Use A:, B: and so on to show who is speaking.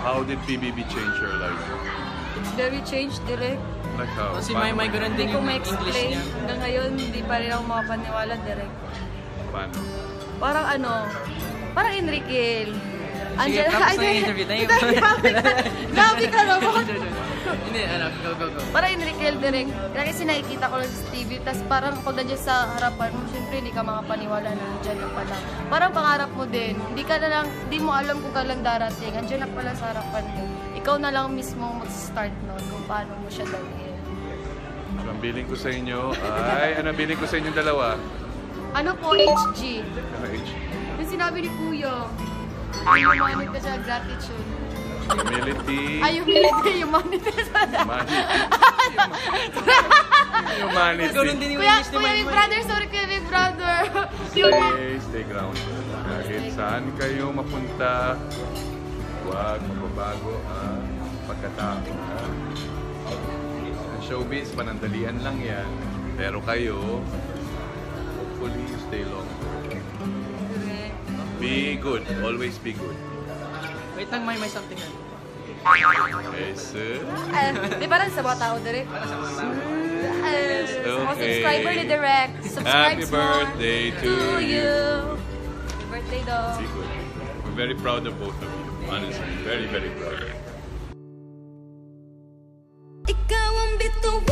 A: How did PBB change your life?
B: It's very changed, direct.
A: Like how?
C: Kasi
A: Paano
C: may ganun
B: Hindi
C: din
B: ko
C: yung English
B: ma-explain.
C: niya.
B: Hanggang ngayon, hindi pa rin ako makapaniwala, direct.
A: Paano?
B: Parang ano, parang Enriquel.
C: Sige, tapos na yung interview tayo.
B: Grabe ka naman.
C: Hindi, go.
B: Parang Enriquel, direct. Kasi nakikita ko lang sa TV, tapos parang pag nandiyan sa harapan mo, syempre hindi ka makapaniwala na nandiyan na pala. Parang pangarap mo din, hindi mo alam kung kailan darating, nandiyan na pala sa harapan mo. Ikaw na lang mismo mag-start nun kung paano mo siya gawin.
A: So, ang billing ko sa inyo ay... Ano ang billing ko sa inyong dalawa?
B: Ano po, HG?
A: Ano age?
B: Yung sinabi ni Kuya, humanity ka siya, gratitude.
A: Humility.
B: Ay, humility, humanity.
A: Humanity.
C: Ganun din yung
B: Kuya,
C: English ni
B: Kuya, big
C: Maymay.
B: brother, sorry Kuya, big brother.
A: Stay grounded. Kahit saan kayo mapunta, huwag mababago ang pagkatao. Ang showbiz, panandalian lang yan. Pero kayo, hopefully, stay long. Be good. Always be good.
C: Wait lang, may something na.
A: Yes, sir.
B: Di ba rin sa mga tao, direct? Mga subscriber ni Direct.
A: Happy
B: Subscribe more
A: birthday to
B: you. Happy birthday daw.
A: Be good. We're very proud of both of you. Honestly, very, very proud.
D: Ikaw ang bituin